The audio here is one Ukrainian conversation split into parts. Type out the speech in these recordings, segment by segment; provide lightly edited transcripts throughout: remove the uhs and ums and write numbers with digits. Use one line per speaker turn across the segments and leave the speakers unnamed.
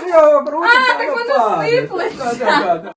його крутить,
так воно сиплеться.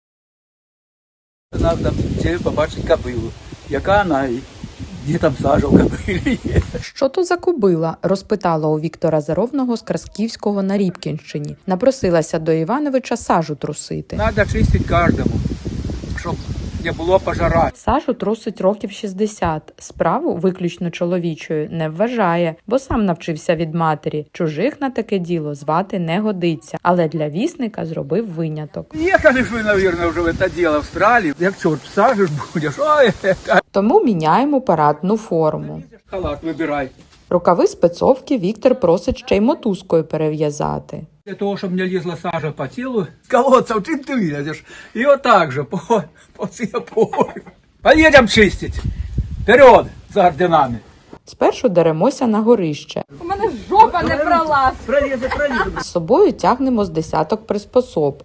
Треба побачити кобилу, яка вона і де там сажа в кобилі є.
Що то за кобила? Розпитала у Віктора Заровного з Красківського на Рібкінщині. Напросилася до Івановича сажу трусити.
Треба чистити кожному, щоб не було пожара.
Сажу трусить років 60. Справу, виключно чоловічою, не вважає, бо сам навчився від матері. Чужих на таке діло звати не годиться. Але для вісника зробив виняток.
Їхали ж ви, мабуть, вже в це діло в Австралії. Як чорт сажеш будеш, ой,
Тому міняємо парадну форму.
халат вибирай.
Рукави спецовки Віктор просить ще й мотузкою перев'язати.
Для того, щоб не лізла сажа по тілу, з колодця чим ти вилазиш. І отак же, по цій опорі. Поїдемо чистити. Вперед, за орденами.
Спершу деремося на горище.
У мене жопа не пролазить.
Пролізе.
З собою тягнемо з десяток приспособ.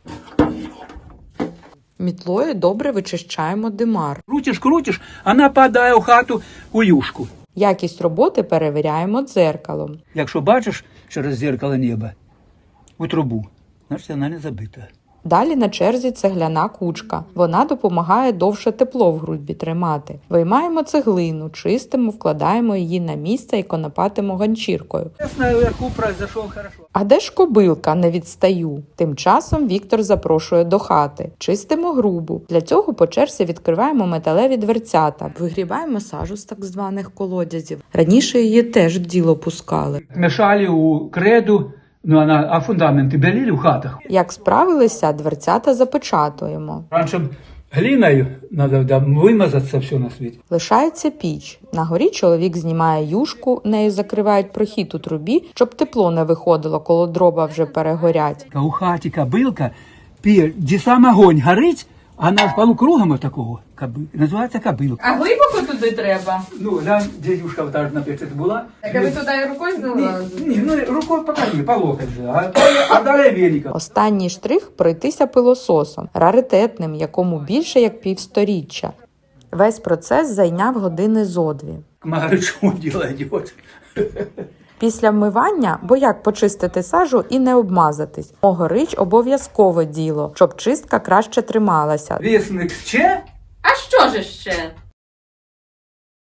Мітлою добре вичищаємо димар.
Крутиш, вона падає у хату у юшку.
Якість роботи перевіряємо дзеркалом.
Якщо бачиш через дзеркало неба у трубу, значить вона не забита.
Далі на черзі цегляна кучка. Вона допомагає довше тепло в грудьбі тримати. Виймаємо цеглину, чистимо, вкладаємо її на місце і конопатимо ганчіркою.
Ясно, вверху произошел хорошо.
А де ж кобилка? Не відстаю. Тим часом Віктор запрошує до хати. Чистимо грубу. Для цього по черзі відкриваємо металеві дверцята. Вигрібаємо сажу з так званих колодязів. Раніше її теж в діло пускали.
Мешали у креду, а фундаменти белили в хатах.
Як справилися, дверцята запечатуємо.
Раніше глиною треба вимазатися все на світі.
Лишається піч. На горі чоловік знімає юшку, нею закривають прохід у трубі, щоб тепло не виходило, коли дрова вже перегорять.
У хаті кобилка, де сам огонь горить, а на полукругом такого називається кобилка.
А глибоко туди треба?
Ну, глянь, де юшка там на печі була.
Так а ви туди і рукою залазите?
Ні, ну рукою покажи, по локоть же, а далі велика.
Останній штрих – пройтися пилососом, раритетним, якому більше як півсторіччя. Весь процес зайняв години зо дві.
Маричу діло йде.
Після вмивання, бо як почистити сажу і не обмазатись? Огорич обов'язкове діло, щоб чистка краще трималася.
Вісник ще?
А що ж ще?